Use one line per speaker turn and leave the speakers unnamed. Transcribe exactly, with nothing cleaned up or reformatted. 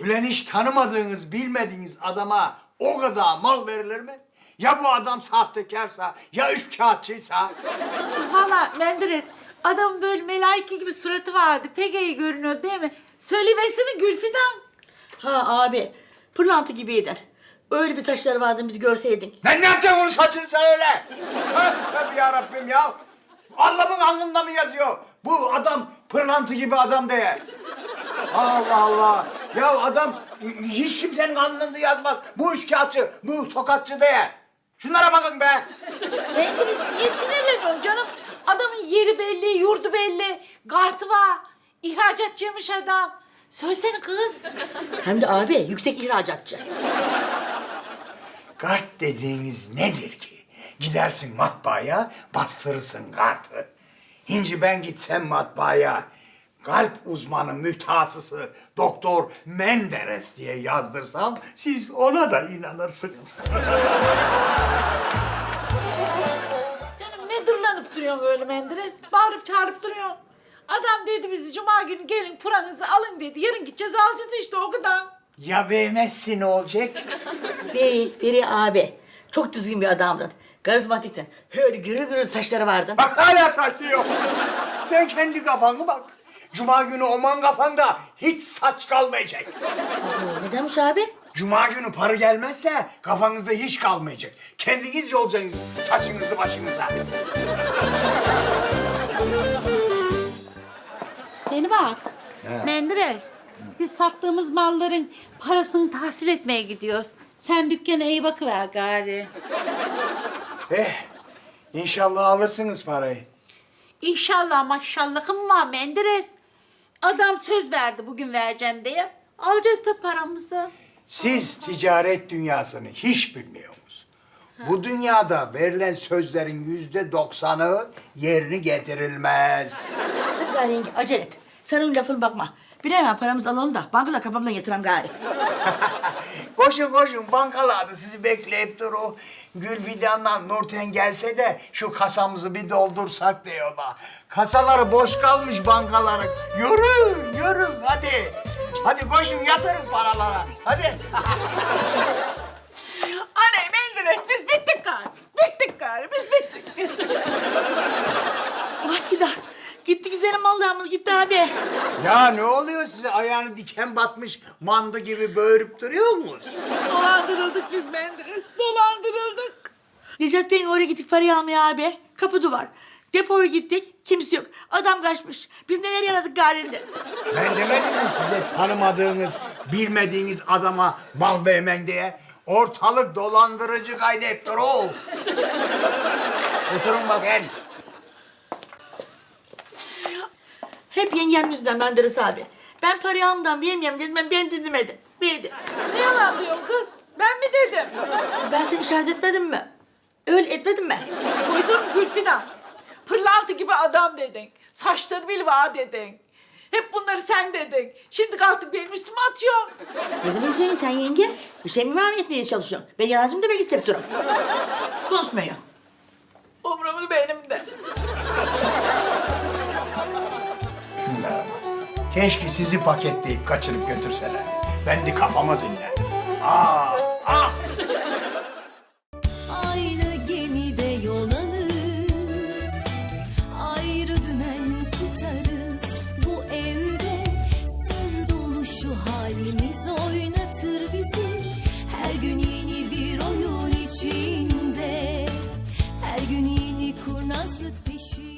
Ulan hiç tanımadığınız, bilmediğiniz adama o kadar mal verilir mi? Ya bu adam sahtekarsa, ya üç kağıtçıysa?
Valla Menderes, adamın böyle melaike gibi suratı vardı. Pek iyi görünüyor değil mi? Söyleyiversene Gülfidan.
Ha abi, pırlanta gibiydin. Öyle bir saçları vardı bir görseydin.
Lan ne yapacaksın onun saçını sen öyle? Tövbe yarabbim ya. Allah'ın alnında mı yazıyor? Bu adam pırlantı gibi adam diye. Allah Allah. Ya adam hiç kimsenin alnında yazmaz. Bu üçkağıtçı, bu tokatçı diye. Şunlara bakın be.
Menderes niye sinirleniyorsun canım? Adamın yeri belli, yurdu belli. Kartı var. İhracatçıymış adam. Söylesene kız.
Hem de abi yüksek ihracatçı.
Kart dediğiniz nedir ki? Gidersin matbaaya, bastırırsın kartı. Hinci ben gitsem matbaaya, kalp uzmanı mütehassısı Doktor Menderes diye yazdırsam siz ona da inanırsınız.
Canım ne dırlanıp duruyorsun öyle Menderes? Bağırıp çağırıp duruyorsun. Adam dedi bizi cuma günü gelin puranızı alın dedi. Yarın gideceğiz alacağız işte o kadar.
Ya vermezsin ne olacak?
Beri, Beri abi. Çok düzgün bir adamdın. Karizmatiktin. Öyle gürül gürül saçları vardı.
Bak hala saçlıyor. Sen kendi kafanı bak. Cuma günü oman kafanda hiç saç kalmayacak.
Oo, nedenmiş abi?
Cuma günü para gelmezse kafanızda hiç kalmayacak. Kendiniz yolacaksınız saçınızı başınıza.
Beni bak. Menderes. Biz sattığımız malların parasını tahsil etmeye gidiyoruz. Sen dükkana iyi bakıver gari.
Eh, inşallah alırsınız parayı.
İnşallah maşallahım var Menderes. Adam söz verdi bugün vereceğim diye. Alacağız da paramızı.
Siz ticaret dünyasını hiç bilmiyorsunuz. Bu dünyada verilen sözlerin yüzde doksanı yerini getirilmez.
Hadi gari yenge acele et. Sen onun lafına bakma. Bir hemen paramızı alalım da bankada kafamdan yatıralım gari.
Koşun koşun bankalarda sizi bekleyip duru. Gülfidan'la Nurten gelse de şu kasamızı bir doldursak diyorlar. Kasaları boş kalmış bankaların. Yürü yürü hadi. Hadi koşun yatırın paralara. Hadi.
Anne Menderes biz bittik gari. Bittik gari biz bittik.
Vah gider. Gitti güzelim Allah'ımız gitti abi.
Ya ne oluyor size ayağını diken batmış manda gibi böğürüp duruyor musunuz?
Dolandırıldık biz Menderes. Dolandırıldık.
Necat Bey'in oraya gittik parayı almaya abi. Kapı duvar. Depoya gittik. Kimse yok. Adam kaçmış. Biz neler yaradık garinde.
Ben demedim mi size tanımadığınız, bilmediğiniz adama mal vermen diye? Ortalık dolandırıcı kaynettir o. Oturun bakın.
Hep yengem yüzünden Menderes abi. Ben parayı almadan vermeyeyim dedim. Ben, ben dinlemedim. Verdi.
Ne yalan diyorsun kız? Ben mi dedim?
Ben seni işaret etmedim mi? Öyle etmedim mi?
Uydun Gülfidan. Pırlantı gibi adam dedin. Saçları bil var dedin. Hep bunları sen dedin. Şimdi kalkıp benim üstüme atıyorsun.
Ne demek söyleyeyim sen yenge? Bir şey mi var etmeye çalışıyorsun? Ben yalancım da ben istep durun. Konuşmuyor.
Umurumda benim de.
Keşke sizi paketleyip kaçırıp götürseler. Ben de kafama dinlerdim. Aa, ah!
Aynı gemide yol alır, ayrı dümen tutarız. Bu evde sır dolu şu halimiz oynatır bizi. Her gün yeni bir oyun içinde, her gün yeni kurnazlık peşinde.